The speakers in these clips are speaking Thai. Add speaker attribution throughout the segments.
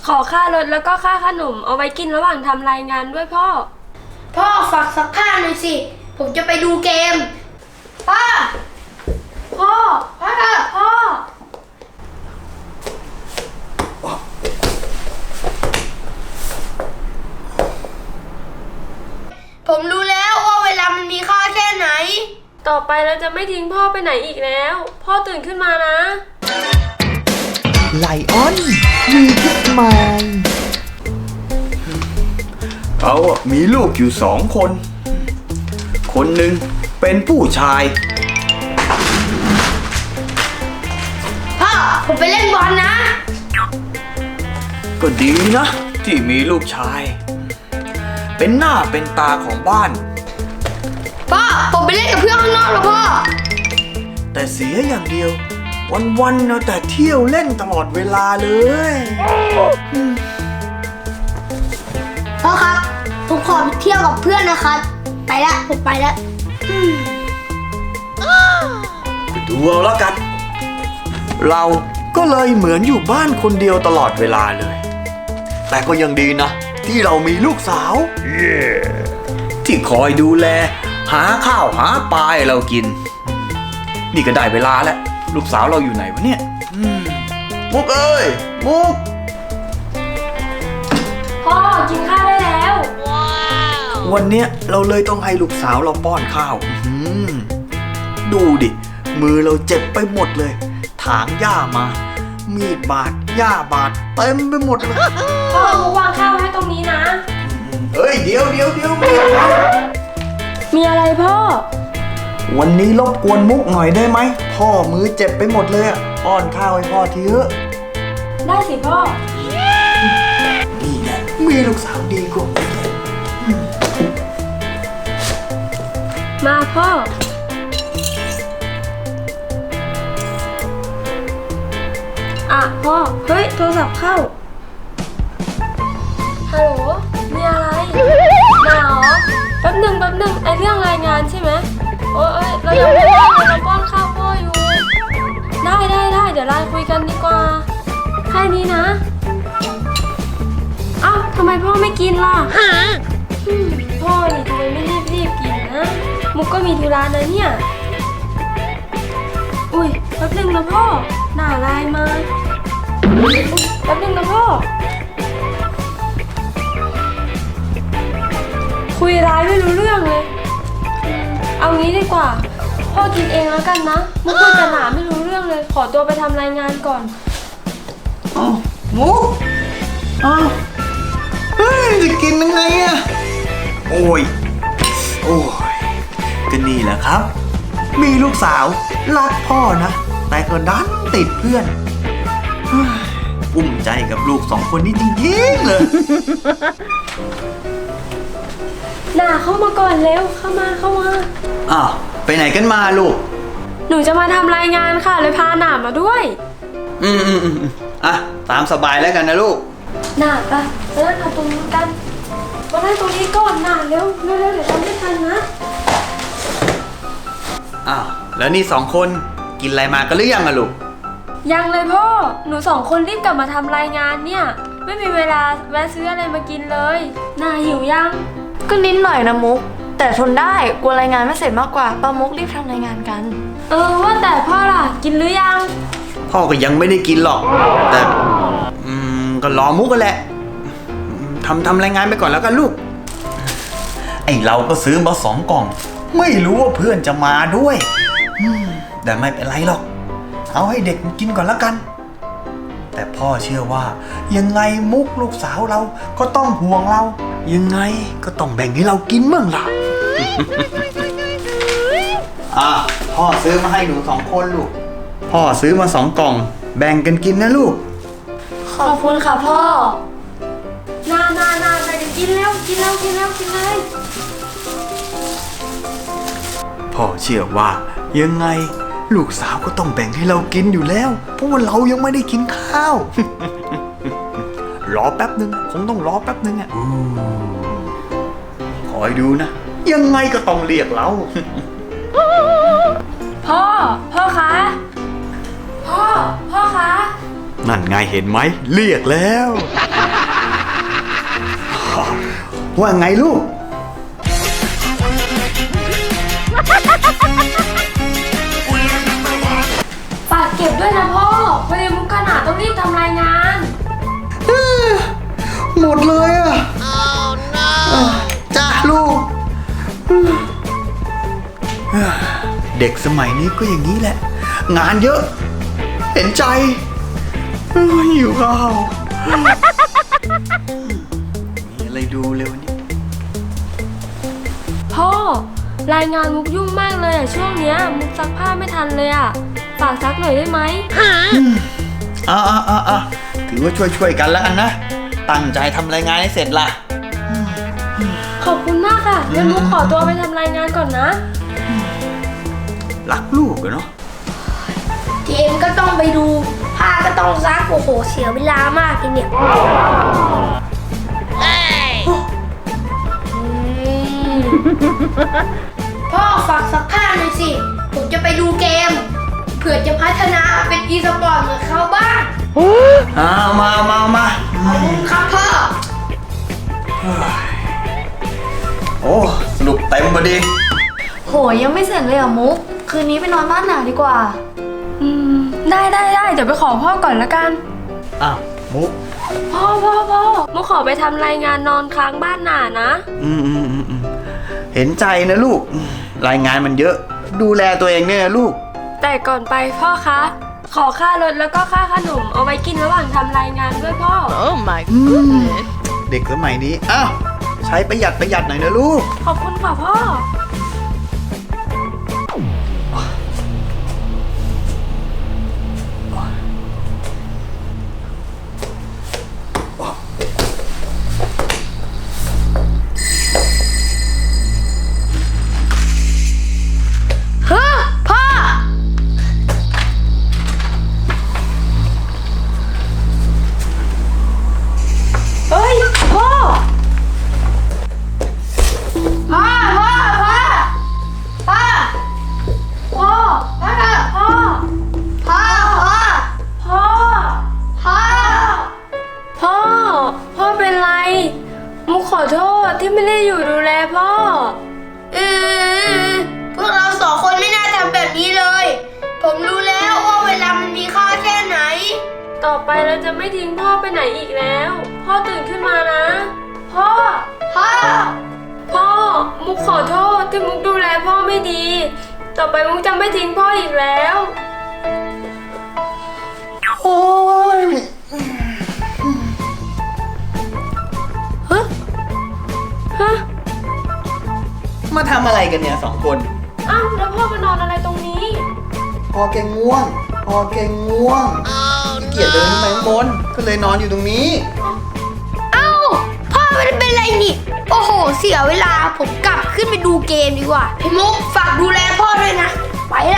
Speaker 1: ขอค่ารถแล้วก็ค่าขนมเอาไว้กินระหว่างทำรายงานด้วยพ่อ
Speaker 2: พ่อฝากซักผ้าหน่อยสิผมจะไปดูเกมพ่อพ่อผมรู้แล้วว่าเวลามันมีค่าแค่ไหน
Speaker 1: ต่อไปเราจะไม่ทิ้งพ่อไปไหนอีกแล้วพ่อตื่นขึ้นมานะ
Speaker 3: ไลออนมีพิษใหม่
Speaker 4: เขามีลูกอยู่2 คน คนหนึ่งเป็นผู้ชาย
Speaker 2: พ่อผมไปเล่นบอลนะ
Speaker 4: ก็ดีนะที่มีลูกชายเป็นหน้าเป็นตาของบ้าน
Speaker 2: พ่อผมไปเล่นกับเพื่อนข้างนอกแล้วพ่อ
Speaker 4: แต่เสียอย่างเดียววันๆเอาแต่เที่ยวเล่นตลอดเวลาเลย
Speaker 2: พ่อครับผมขอไปเที่ยวกับเพื่อนนะครับไปแล้วผมไปแล้ว
Speaker 4: ดูเอาแล้วกันเราก็เลยเหมือนอยู่บ้านคนเดียวตลอดเวลาเลยแต่ก็ยังดีนะที่เรามีลูกสาว ที่คอยดูแลหาข้าวหาปลาให้เรากินนี่ก็ได้เวลาแล้วลูกสาวเราอยู่ไหนวะเนี่ยมุกเอ้ยมุก
Speaker 1: พ่อกินข้าวได้แล้ว
Speaker 4: วันเนี้ยเราเลยต้องให้ลูกสาวเราป้อนข้าวดูดิมือเราเจ็บไปหมดเลยถางหญ้ามามีดบาดหญ้าบาดเต็มไปหมดเลย
Speaker 1: พ่อมุกวางข้าวไว้ตรงนี้นะ
Speaker 4: เฮ้ยเดี๋ยว
Speaker 1: มีอะไรพ่อ
Speaker 4: วันนี้รบกวนมุกหน่อยได้ไหมพ่อมือเจ็บไปหมดเลยป้อนข้าวให้พ่อทีเถอะ
Speaker 1: ได้สิพ่อ
Speaker 4: นี่แหละมีลูกสาวดีกว่า
Speaker 1: มาพ่อพ่อเฮ้ยโทรศัพท์เข้าฮัลโหลมีอะไรมาเหรอแป๊บหนึ่งไอเรื่องรายงานใช่ไหมโอ้ยเรายังไม่ได้เราป้อนข้าวพ่ออยู่ได้เดี๋ยวไลน์คุยกันดีกว่าแค่นี้นะเอ้าทำไมพ่อไม่กินล่ะพ่อนี่ทำไมไม่รีบกินนะมุกก็มีธุระนะเนี่ยอุ้ยแป๊บหนึ่งนะพ่อหน้าไลน์มาแป๊บนึงนะพ่อคุยร้ายไม่รู้เรื่องเลยเอางี้ดีกว่าพ่อกินเองแล้วกันนะมุกคุยกับหลานไม่รู้เรื่องเลยขอตัวไปทำรายงานก่อน
Speaker 4: มุกจะกินยังไงอะโอ้ยก็นี่แหละครับมีลูกสาวรักพ่อนะแต่ก็ดันติดเพื่อนอุ้มใจกับลูก2 คนนี้จริงๆเลย
Speaker 1: น่าเข้ามาก่อนเร็วเข้ามา
Speaker 4: อ้าวไปไหนกันมาลูก
Speaker 1: หนูจะมาทำรายงานค่ะเลยพาหนามาด้วย
Speaker 4: อ่ะตามสบายแล้วกันนะลูก
Speaker 1: หนาไปนั่งตรงนี้กันมานั่งตรงนี้ก่อนหนาเร็วเดี๋ยวทำไม่ทันนะ
Speaker 4: อ้าวแล้วนี่2 คนกินอะไรมากันหรือยังอะลูก
Speaker 1: ยังเลยพ่อหนู2 คนรีบกลับมาทำรายงานเนี่ยไม่มีเวลาแวะซื้ออะไรมากินเลยน่าหิวยัง
Speaker 5: ก็นิดหน่อยนะมุกแต่ทนได้กลัวรายงานไม่เสร็จมากกว่าป้ามุกรีบทำรายงานกัน
Speaker 1: ว่าแต่พ่อล่ะกินหรือยัง
Speaker 4: พ่อก็ยังไม่ได้กินหรอกแต่ก็รอมุกกันแหละทำรายงานไปก่อนแล้วกันลูกไอเราก็ซื้อมา2 กล่องไม่รู้ว่าเพื่อนจะมาด้วยแต่ไม่เป็นไรหรอกเอาให้เด็กกินก่อนแล้วกันแต่พ่อเชื่อว่ายังไงมุกลูกสาวเราก็ต้องห่วงเรายังไงก็ต้องแบ่งให้เรากินบ้างล่ะ พ่อซื้อมาให้หนู2 คนลูกพ่อซื้อมา2 กล่องแบ่งกันกินนะลูก
Speaker 5: ขอบคุณค่ะพ่อ
Speaker 1: นาไปกินแล้วกินเลย
Speaker 4: พ่อเชื่อว่ายังไงลูกสาวก็ต้องแบ่งให้เรากินอยู่แล้วเพราะว่าเรายังไม่ได้กินข้าว รอแป๊บนึงคงต้องรอแป๊บนึงอ่ะคอยดูนะยังไงก็ต้องเรียกเรา
Speaker 1: พ่อคะพ่อคะ
Speaker 4: นั่นไงเห็นไหมเรียกแล้ว ว่าไงลูก
Speaker 1: ฝากเก็บด้วยนะพ่อพอดีมุกขนาดต้องรีบทำรายงาน
Speaker 4: หมดเลยอ่ะจ้าลูก เด็กสมัยนี้ก็อย่างนี้แหละ งานเยอะ เห็นใจหิวข้าวมีอะไรดูเร็วนี้
Speaker 1: พ่อรายงานมุกยุ่งมากเลยอะช่วงเนี้ยมุกซักผ้าไม่ทันเลยอะฝากซักหน่อยได้ไหม
Speaker 4: ถือว่าช่วยกันแล้วกันนะ ตั้งใจทำรายงานให้เสร็จล่ะ
Speaker 1: ขอบคุณมากค่ะเดี๋ยวมุกขอตัวไปทำรายงานก่อนนะ
Speaker 4: รักลูกอะเนาะ
Speaker 2: เกมก็ต้องไปดู ผ้าก็ต้องซัก โอ้โห เสียเวลามากทีเนี่ยพ่อฝากซักผ้าหน่อยสิ ผมจะไปดูเกม เผื่อจะพัฒนาเป็นอีสปอร์ตเหมือนเขาบ้าง
Speaker 4: มา
Speaker 2: ครับพ่อ
Speaker 4: โอ้สรุปเต็มพอดี
Speaker 5: โหยังไม่เสร็จเลยอ่ะมุก คืนนี้ไปนอนบ้านหนาดีกว่า
Speaker 1: ได้เดี๋ยวไปขอพ่อก่อนละกัน
Speaker 4: อ้าวมุก
Speaker 1: พ่อมุกขอไปทำรายงานนอนค้างบ้านหนานะ
Speaker 4: เห็นใจนะลูก รายงานมันเยอะ ดูแลตัวเองเนี่ยนะลูก
Speaker 1: แต่ก่อนไปพ่อคะ ขอค่ารถแล้วก็ค่าขนมเอาไว้กินระหว่างทำรายงานด้วยพ่อ
Speaker 4: เด็กสมัยนี้ อ้าว ใช้ประหยัดหน่อยนะลูก
Speaker 1: ขอบคุณค่ะพ่อ
Speaker 2: เฮ้อพ่อ เฮ้ย พ่อ พ่อ พ่อ พ่อ พ่อ พ่อ พ่อ พ่อ พ่อ
Speaker 1: พ่อเป็นไร มุกขอโทษที่ไม่ได้อยู่ดูแลพ่อ
Speaker 2: พวกเราสองคนไม่น่าทำแบบนี้เลย ผมรู้แล้วว่าเวลามันมีค่าแค่ไหน
Speaker 1: ต่อไปเราจะไม่ทิ้งพ่อไปไหนอีกแล้ว พ่อตื่นขึ้นมานะ พ่อ
Speaker 2: พ่อ
Speaker 1: พ่อ มุกขอโทษที่มุกดูแลพ่อไม่ดี ต่อไปมุกจะไม่ทิ้งพ่ออีกแล้ว
Speaker 4: โอ้ย
Speaker 1: ฮะ
Speaker 4: มาทำอะไรกันเนี่ยสองคน
Speaker 1: อ้าวแล้วพ่อมานอนอะไรตรงนี้
Speaker 4: พอแกง่วงขี้เกียจเดินขึ้นไปข้างบน ก็เลยนอนอยู่ตรงนี้
Speaker 2: เอ้า พ่อไม่ได้เป็นไรนี่ โอ้โห เสียเวลา ผมกลับขึ้นไปดูเกมดีกว่า พี่มุกฝากดูแลพ่อด้วยนะ ไปละ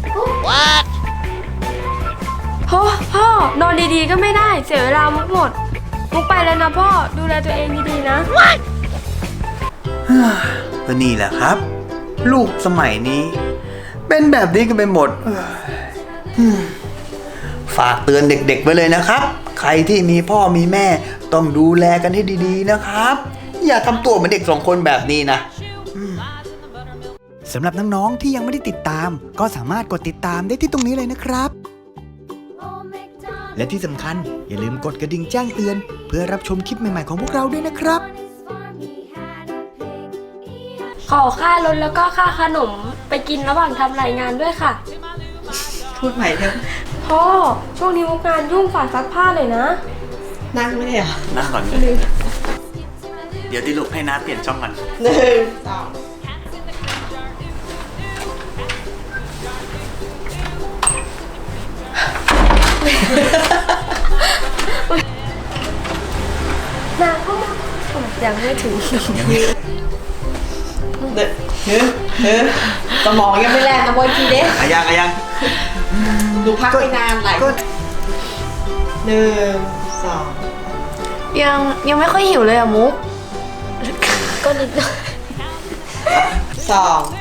Speaker 1: พ่อนอนดีๆก็ไม่ได้ เสียเวลามุกหมด มุกไปแล้วนะพ่อ ดูแลตัวเองดีๆนะ
Speaker 4: ก็นี่แหละครับ ลูกสมัยนี้ เป็นแบบนี้กันไปหมดฝากเตือนเด็กๆไว้เลยนะครับ ใครที่มีพ่อมีแม่ต้องดูแลกันให้ดีๆนะครับ อย่าทำตัวเหมือนเด็กสองคนแบบนี้นะ
Speaker 3: สำหรับน้องๆที่ยังไม่ได้ติดตาม ก็สามารถกดติดตามได้ที่ตรงนี้เลยนะครับ และที่สำคัญอย่าลืมกดกระดิ่งแจ้งเตือน เพื่อรับชมคลิปใหม่ๆของพวกเราด้วยนะครับ
Speaker 1: ขอค่ารถแล้วก็ค่าขนมไปกินระหว่างทำรายงานด้วยค่ะ
Speaker 6: พูดใหม่เถอะ
Speaker 1: พ่อ ช่วงนี้มุกงานยุ่งฝากซักผ้าหน่อยนะ
Speaker 6: นั่งไม่ได้เหรอ
Speaker 4: นั่งก่อนเลยเดี๋ยวที่ลูกให้น้าเปลี่ยนช่องก่อน
Speaker 6: หนึ่งสอง
Speaker 1: นาเข้ามายังไม่ถึง
Speaker 6: สมองยังไม่แล่นนะบอยทีเด็ก
Speaker 4: อายัง
Speaker 6: ดูพักไม่นานหลาย
Speaker 4: ก็
Speaker 6: หนึ่งสอง
Speaker 5: ยังไม่ค่อยหิวเลยอ่ะมุก
Speaker 1: ก็นิดหน่อย
Speaker 6: สอง